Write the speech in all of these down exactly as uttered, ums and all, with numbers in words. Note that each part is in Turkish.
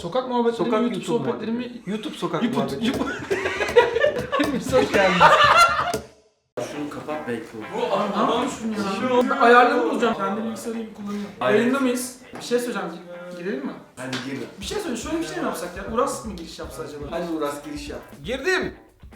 Sokak muhabbetleri Sokak mi, YouTube, YouTube sohbetleri mi? muhabbeti. YouTube sokak YouTube, muhabbeti. YouTube. Hepiniz hoş geldiniz. Şunu kapat belki olur. Bu anlamam şunu ya. Ben ayarlarını bulacağım. Kendi bilgisayarı gibi kullanıyorum. Aynen. Yayında mıyız? Bir şey söyleyeceğim. Girelim mi? Hadi gir. Bir şey söyle. Şöyle bir şey mi yapsak ya? Uras mı giriş yapsa acaba? Hadi Uras giriş yap. Girdim.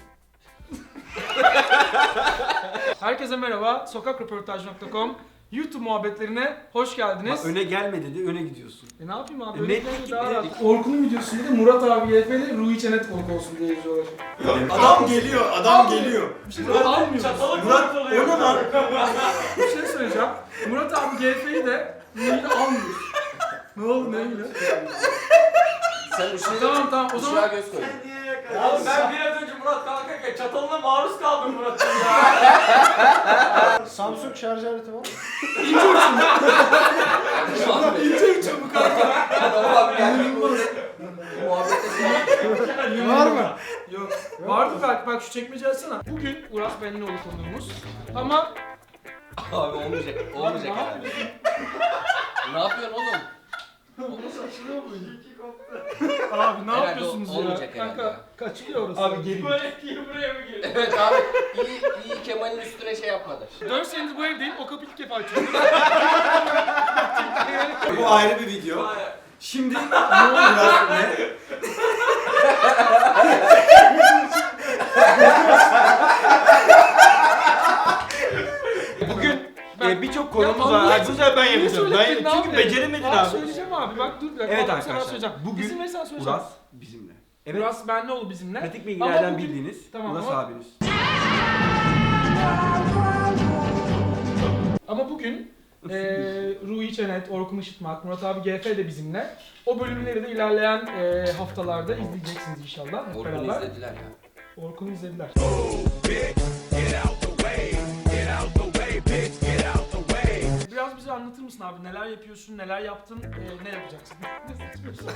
Herkese merhaba. sokak röportaj nokta com YouTube muhabbetlerine hoş geldiniz. Bak öne gelme dedi, öne gidiyorsun. E ne yapayım abi? E Böyle ne- gitmemiz daha ne- rahat. Orkun'un videosunda da Murat abi G F ile Ruhi Çenet konuk olsun diye yazıyorlar. Adam geliyor, adam geliyor. Bir şey söyleyeceğim. Almıyoruz. Murat, o ne lan? Bir şey söyleyeceğim. Murat abi G F'yi de Ruhi'yi de almıyoruz. Ne oldu ne ilgili? Sen ışığa, Tamam tamam o ışığa zaman göz koy. Oğlum ben biraz önce Murat kalkarken çatalına maruz kaldım Murat'ın ya. Samsung şarj aleti var. ince uçum. Muhabbet. İnce uçum bu kanka. Tamam abi gel. Muhabbette şey Var mı? Yok. Vardı belki bak şu çekmece açsana. Bugün Uras Benlioğlu konuğumuz. Ama Abi olmayacak. Olmayacak ne herhalde. Ne yapıyorsun oğlum? abi ne Herhalde yapıyorsunuz ya? olmayacak herhalde Kanka ya. kaçıyor orası. Abi geri. Böyle diye buraya mı girdi? Evet abi. İyi, iyi Kemal'in üstüne şey yapmadı. dört senedir bu evdeyim. O kapıyı ilk defa açıyorum. Bu ayrı bir video. Şimdi ne oldu biraz ne? Bugün Ben- e, birçok Ya konumuz Allah var. Hadi için- bu sefer ben Niye yapacağım. Ben, söyledin, ne çünkü yapayım? beceremedin Abi abi. söyleyeceğim abi. Bak dur bir dakika. Evet Bak, bu sefer arkadaşlar, söyleyeceğim. bugün İzin verirsen söyleyeceğim. Uras bizimle. Evet. Uras Benlioğlu bizimle. Pratik Ama bilgilerden bugün- bildiğiniz Tamam, Uras ama- abiniz. Ama bugün eee Ruhi Çenet, Orkun Işıtmak, Murat abi G F de bizimle. O bölümleri de ilerleyen eee, haftalarda izleyeceksiniz inşallah hep Orkun'u beraber. izlediler ya. Orkun'u izlediler. Biraz bize anlatır mısın abi? Neler yapıyorsun, neler yaptın, eee, ne yapacaksın? Ne seçiyorsun?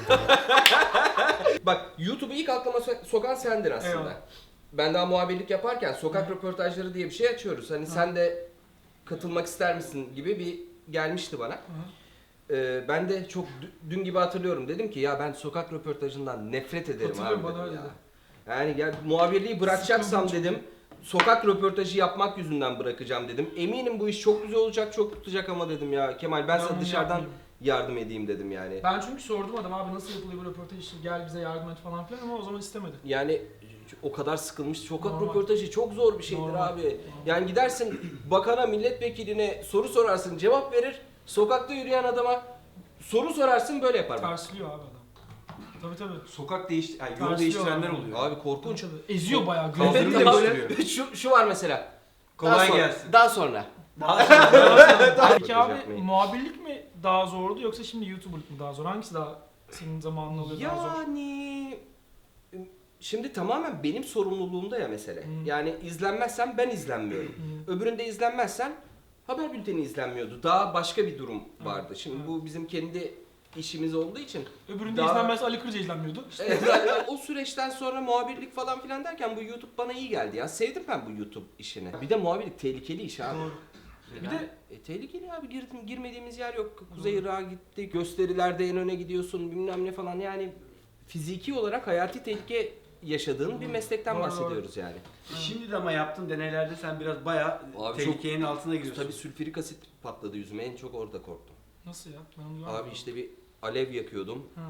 Bak YouTube'u ilk aklıma so- sokan sendin aslında. Eyvallah. Ben daha muhabirlik yaparken sokak röportajları diye bir şey açıyoruz. Hani sen de katılmak ister misin gibi bir gelmişti bana. Ee, ben de çok dü- dün gibi hatırlıyorum. Dedim ki ya ben sokak röportajından nefret ederim Hatırlıyorum, abi bana dedim öyle ya. dedi. Yani ya, muhabirliği bırakacaksam Sıkıldım dedim. Sokak röportajı yapmak yüzünden bırakacağım dedim. Eminim bu iş çok güzel olacak, çok tutacak ama dedim ya Kemal ben, Ben sana bunu dışarıdan yapmayayım. yardım edeyim dedim yani. Ben çünkü sordum adam abi nasıl yapılıyor bu röportaj işte gel bize yardım et falan filan ama o zaman istemedi. Yani o kadar sıkılmış. Sokak Normal. röportajı çok zor bir şeydir Normal. abi. Yani gidersin bakana, milletvekiline soru sorarsın, cevap verir. Sokakta yürüyen adama soru sorarsın böyle yapar. bak. Tersliyor abi adam. Tabii tabii. Sokak değiş, yani yol Tersliyor değiştirenler abi. böyle. Abi korkunç. Eziyor bayağı. Kaldırım Gözleri de değiştiriyor. böyle. şu, şu var mesela. Daha Kolay sonra- gelsin. Daha sonra. Daha sonra. Peki abi yapmayın. muhabirlik mi daha zordu yoksa şimdi YouTuber'lık mı daha zor? Hangisi daha senin zamanını alıyor daha zor? Yani şimdi tamamen benim sorumluluğumda ya mesele. Hmm. Yani izlenmezsem ben izlenmiyorum. Hmm. Öbüründe izlenmezsen haber bülteni izlenmiyordu. Daha başka bir durum vardı. Şimdi Evet. bu bizim kendi işimiz olduğu için Öbüründe Daha- izlenmez Ali Kırca izlenmiyordu. İşte Evet, yani o süreçten sonra muhabirlik falan filan derken bu YouTube bana iyi geldi ya. Sevdim ben bu YouTube işini. Bir de muhabirlik tehlikeli iş abi. Doğru. Bir de E, tehlikeli abi. Girdim, girmediğimiz yer yok. Kuzey Irak'a gitti. Gösterilerde en öne gidiyorsun bilmem ne falan. Yani fiziki olarak hayati tehlike yaşadığın bir meslekten Doğru, bahsediyoruz yani. Şimdi de ama yaptığın deneylerde sen biraz bayağı Abi tehlikenin altına giriyorsun. Tabii sülfürik asit patladı yüzüme. En çok orada korktum. nasıl ya? Ben onu görmedim. Abi işte bir alev yakıyordum. Ha.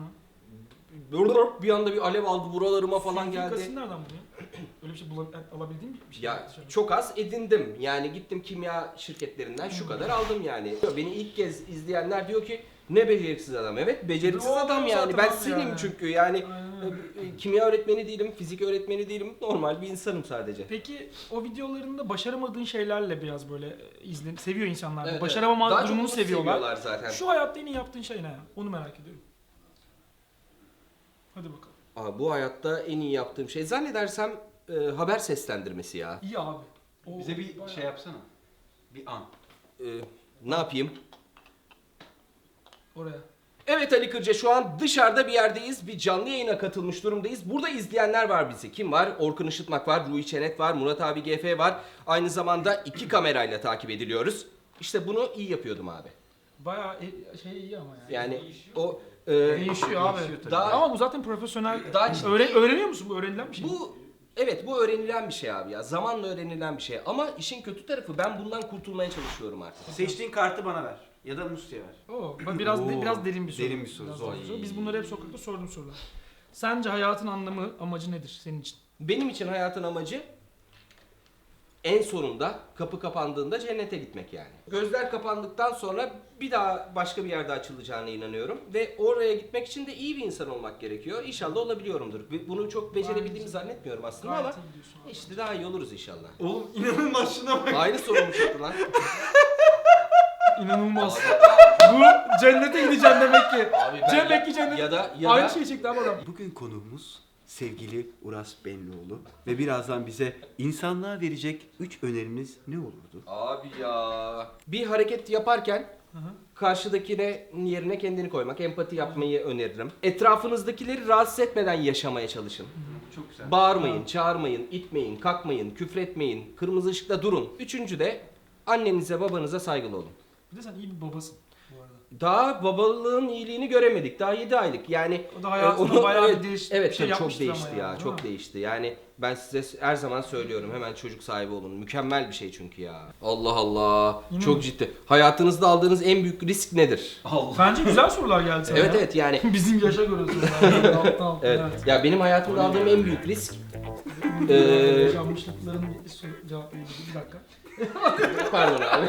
Bir anda bir alev aldı buralarıma falan Sülfürik geldi. asit nereden buluyor? Öyle bir şey bula- alabildiğin bir şey. Ya Dışarı. çok az edindim. Yani gittim kimya şirketlerinden şu kadar aldım yani. Beni ilk kez izleyenler diyor ki ne beceriksiz adam. Evet beceriksiz Doğru adam yani. zaten Ben abi silim yani. çünkü yani Aynen öyle. e, kimya öğretmeni değilim, fizik öğretmeni değilim. Normal bir insanım sadece. Peki o videolarında başaramadığın şeylerle biraz böyle izlen seviyor insanlar. Evet, Başaramama evet. Daha çok durumunu bunu seviyorlar. zaten. Şu hayatta en iyi yaptığın şey ne ya? Onu merak ediyorum. Hadi bakalım. Aa, bu hayatta en iyi yaptığım şey zannedersem e, haber seslendirmesi ya. İyi abi. O- Bize bir bayağı- şey yapsana. Bir an. E, ne yapayım? Oraya. Evet Ali Kırca şu an dışarıda bir yerdeyiz. Bir canlı yayına katılmış durumdayız. Burada izleyenler var bizi. Kim var? Orkun Işıtmak var, Ruhi Çenet var, Murat abi G F var. Aynı zamanda iki kamerayla takip ediliyoruz. İşte bunu iyi yapıyordum abi. Bayağı e- şey iyi ama yani. Yani o Ee, Değişiyor abi. Değişiyor tabii. Daha- Ama bu zaten profesyonel. Daha ciddi- Öğren- öğreniyor musun? Bu öğrenilen bir şey. Bu evet bu öğrenilen bir şey abi ya. Zamanla öğrenilen bir şey. Ama işin kötü tarafı ben bundan kurtulmaya çalışıyorum artık. Seçtiğin kartı bana ver. Ya da Musti'ye ver. Oo, bak biraz Oo, biraz derin bir soru. derin bir soru, Biraz zor. derin bir soru. Biz bunları hep sokakta sorduğum sorular. Sence hayatın anlamı, amacı nedir senin için? Benim için hayatın amacı en sonunda kapı kapandığında cennete gitmek yani. Gözler kapandıktan sonra bir daha başka bir yerde açılacağına inanıyorum. Ve oraya gitmek için de iyi bir insan olmak gerekiyor. İnşallah olabiliyorumdur. Bunu çok becerebildiğimi zannetmiyorum aslında ama Gayet iyi gidiyorsun abi. işte daha iyi oluruz inşallah. Oğlum inanılmaz şuna bak. Aynı sorumlu çıktı lan. İnanılmaz. Bu cennete gideceğim demek ki. Abi ben Demek ki cennet. ya da ya Aynı da şeyi çekti abi adam. Bugün konuğumuz sevgili Uras Benlioğlu ve birazdan bize insanlığa verecek üç önerimiz ne olurdu? Abi ya. Bir hareket yaparken Hı hı. karşıdakine yerine kendini koymak, empati yapmayı öneririm. Etrafınızdakileri rahatsız etmeden yaşamaya çalışın. Çok güzel. Bağırmayın, çağırmayın, itmeyin, kalkmayın, küfretmeyin, kırmızı ışıkta durun. Üçüncü de annenize, babanıza saygılı olun. Bir de sen iyi bir babasın bu arada. Daha babalığın iyiliğini göremedik. Daha yedi aylık. Yani O da hayatında e, onu- bayağı evet, bir değiş evet, bir şey tabii çok yapmıştır ama değişti yani, ya. değil Çok mi? değişti. Yani ben size her zaman söylüyorum. Hemen çocuk sahibi olun. Mükemmel bir şey çünkü ya. Allah Allah. Yine çok mi? ciddi. Hayatınızda aldığınız en büyük risk nedir? Allah. Bence güzel sorular geldi sana Evet ya. evet yani. Bizim yaşa göre sorular. Alttan alttan, Evet. evet. Ya benim hayatımda aldığım en büyük risk Ee, Ee, Yaşanmışlıkların bir soru cevap verelim. Bir dakika. pardon abi.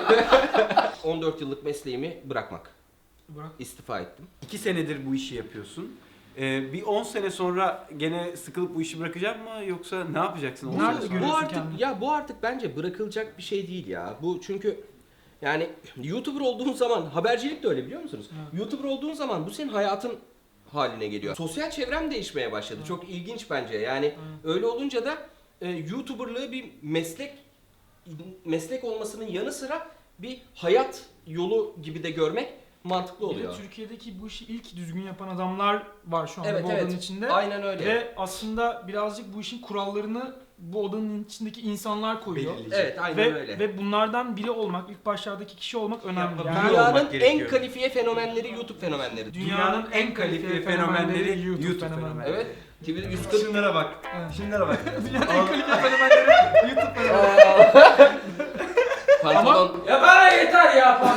on dört yıllık mesleğimi bırakmak. Bırak. İstifa ettim. İki senedir bu işi yapıyorsun. Ee, bir on sene sonra gene sıkılıp bu işi bırakacak mı yoksa ne yapacaksın? on Nerede sene sonra? görüyorsun Bu artık kendini? ya bu artık bence bırakılacak bir şey değil ya. Bu çünkü yani YouTuber olduğun zaman habercilik de öyle biliyor musunuz? Evet. YouTuber olduğun zaman bu senin hayatın haline geliyor. Sosyal çevrem değişmeye başladı. Evet. Çok ilginç bence. Yani Evet. öyle olunca da e, YouTuber'lığı bir meslek meslek olmasının yanı sıra bir hayat yolu gibi de görmek mantıklı Bir de oluyor. Türkiye'deki bu işi ilk düzgün yapan adamlar var şu anda Evet bu odanın evet. içinde. Aynen öyle. Ve aslında birazcık bu işin kurallarını bu odanın içindeki insanlar koyuyor. Belirleyecek. Evet aynen Ve, öyle. ve bunlardan biri olmak, ilk başlardaki kişi olmak önemli. Yapabiliyor Yani olmak Dünyanın en gerekiyor. kalifiye fenomenleri YouTube fenomenleri. dünyanın en kalifiye fenomenleri YouTube, YouTube fenomenleri. fenomenleri. Evet. T V yüz kırk Şunlara bak. Evet. Şunlara bak. Dünyanın en kalifiye fenomenleri YouTube fenomenleri. pantolon Ya bana yeter ya.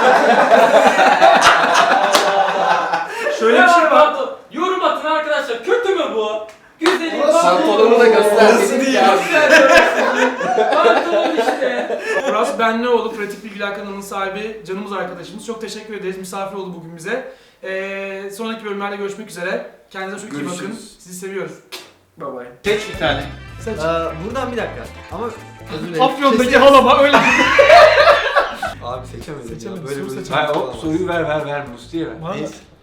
Şöyle bir şey var. Pardon. Yorum atın arkadaşlar. Kötü mü bu? Güzelim. pantolonu da göster dedik ya. Pantolon işte. Uras Benlioğlu, Pratik Bilgiler kanalının sahibi, canımız arkadaşımız. Çok teşekkür ederiz. Misafir oldu bugün bize. Ee, sonraki bölümlerde görüşmek üzere. Kendinize çok iyi bakın. Görüşürüz. Sizi seviyoruz. Bye bye. Seç bir tane. Seç. Ee, buradan bir dakika. Ama özür dilerim. Afyon'daki halama öyle. Abi seçemedim. Seçemedim, ya. Böyle soru böyle seçemedim. Hayır o soruyu ver ver ver Musti'ye ver. Bana da- Neyse.